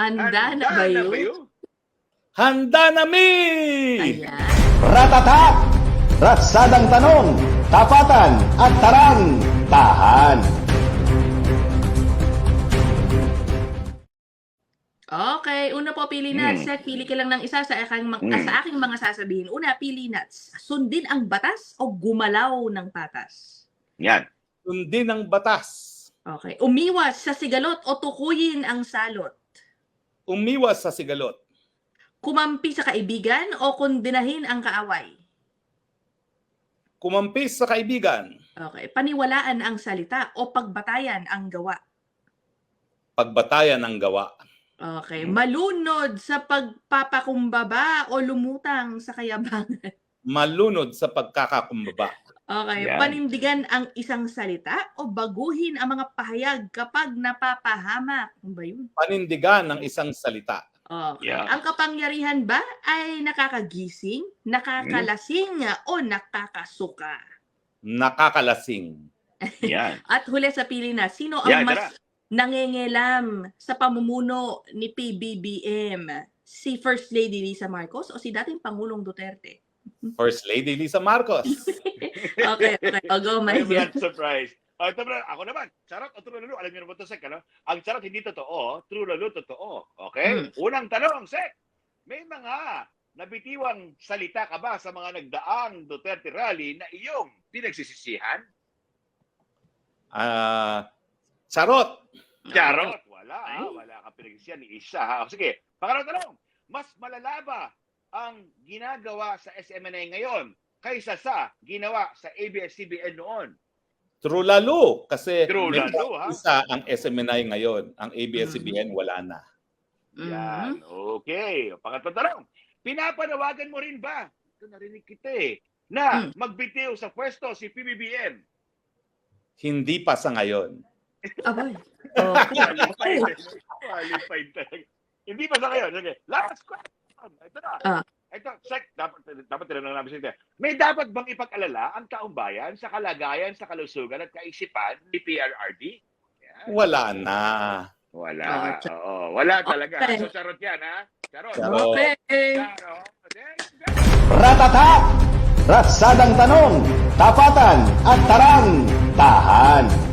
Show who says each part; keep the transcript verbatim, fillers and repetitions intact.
Speaker 1: Handa na ba yun?
Speaker 2: Handa na mi!
Speaker 1: Ayan.
Speaker 3: Ratatak! Ratsadang tanong, tapatan at tarang, tahan.
Speaker 1: Okay, una po pili nuts.
Speaker 4: Hmm.
Speaker 1: Set, pili ka lang ng isa sa aking, mga-
Speaker 4: Hmm.
Speaker 1: sa aking mga sasabihin. Una, pili nuts. Sundin ang batas o gumalaw ng patas?
Speaker 4: Yan.
Speaker 2: Sundin ang batas.
Speaker 1: Okay. Umiwas sa sigalot o tukuyin ang salot?
Speaker 2: Umiwas sa sigalot.
Speaker 1: Kumampi sa kaibigan o kondinahin ang kaaway?
Speaker 2: Kumampis sa kaibigan.
Speaker 1: Okay. Paniwalaan ang salita o pagbatayan ang gawa?
Speaker 2: Pagbatayan ang gawa.
Speaker 1: Okay. Malunod sa pagpapakumbaba o lumutang sa kayabangan?
Speaker 2: Malunod sa pagkakakumbaba.
Speaker 1: Okay.
Speaker 4: Yan.
Speaker 1: Panindigan ang isang salita o baguhin ang mga pahayag kapag napapahamak? Ano ba yun?
Speaker 2: Panindigan ng isang salita.
Speaker 1: Okay.
Speaker 4: Yeah.
Speaker 1: Ang kapangyarihan ba ay nakakagising, nakakalasing, o nakakasuka?
Speaker 2: Nakakalasing.
Speaker 4: Yan.
Speaker 1: At huli sa pili na, sino ang
Speaker 4: Yan,
Speaker 1: mas nangengelam sa pamumuno ni P B B M? Si First Lady Lisa Marcos o si dating Pangulong Duterte?
Speaker 2: First Lady Lisa Marcos.
Speaker 1: Okay, okay. O, go, my
Speaker 4: I'm
Speaker 1: dear.
Speaker 4: not surprised. Oh, ito na, ako naman. Charot o true lalo? Alam niyo naman ito, Sek, ano? Ang charot hindi totoo, true lalo totoo. Okay?
Speaker 1: Hmm.
Speaker 4: Unang tanong, Sek. May mga nabitiwang salita ka ba sa mga nagdaang Duterte rally na iyong pinagsisisihan?
Speaker 2: Ah, charot.
Speaker 4: Charot. Wala,
Speaker 1: Ay.
Speaker 4: ha? Wala ka pinagsisisihan ni isa, ha? O, sige. Pangalawang tanong. Mas malala ba ang ginagawa sa S M N I ngayon kaysa sa ginawa sa A B S C B N noon?
Speaker 2: True lalo. Kasi
Speaker 4: True
Speaker 2: may
Speaker 4: lalo, ha?
Speaker 2: isa ang S M N I ngayon. Ang A B S C B N wala na.
Speaker 4: Yan.
Speaker 1: Mhm.
Speaker 4: Okay. Pangatlong tanong. Pinapanawagan mo rin ba? Ito narinig kita eh. Na
Speaker 1: Hmm.
Speaker 4: magbitiw sa pwesto si P B B M.
Speaker 2: Hindi pa sa ngayon.
Speaker 1: Abay. Okay.
Speaker 4: Qualified. Qualified talaga. Hindi pa sa ngayon. Sige. Last question. Ito na.
Speaker 1: Ah.
Speaker 4: Ito, Sek, dapat, dapat tinanong namin sa inyo. May dapat bang ipag-alala ang taong bayan sa kalagayan, sa kalusugan at kaisipan ni P R R D? Yan.
Speaker 2: Wala na.
Speaker 4: Wala.
Speaker 1: Ah, cha-
Speaker 4: Oo, wala talaga.
Speaker 1: Okay.
Speaker 4: So, charot yan, ha? Charot.
Speaker 2: Charot.
Speaker 1: Okay.
Speaker 4: Charot. Okay.
Speaker 3: Ratatak! Ratsadang tanong, tapatan at tarang, tahan.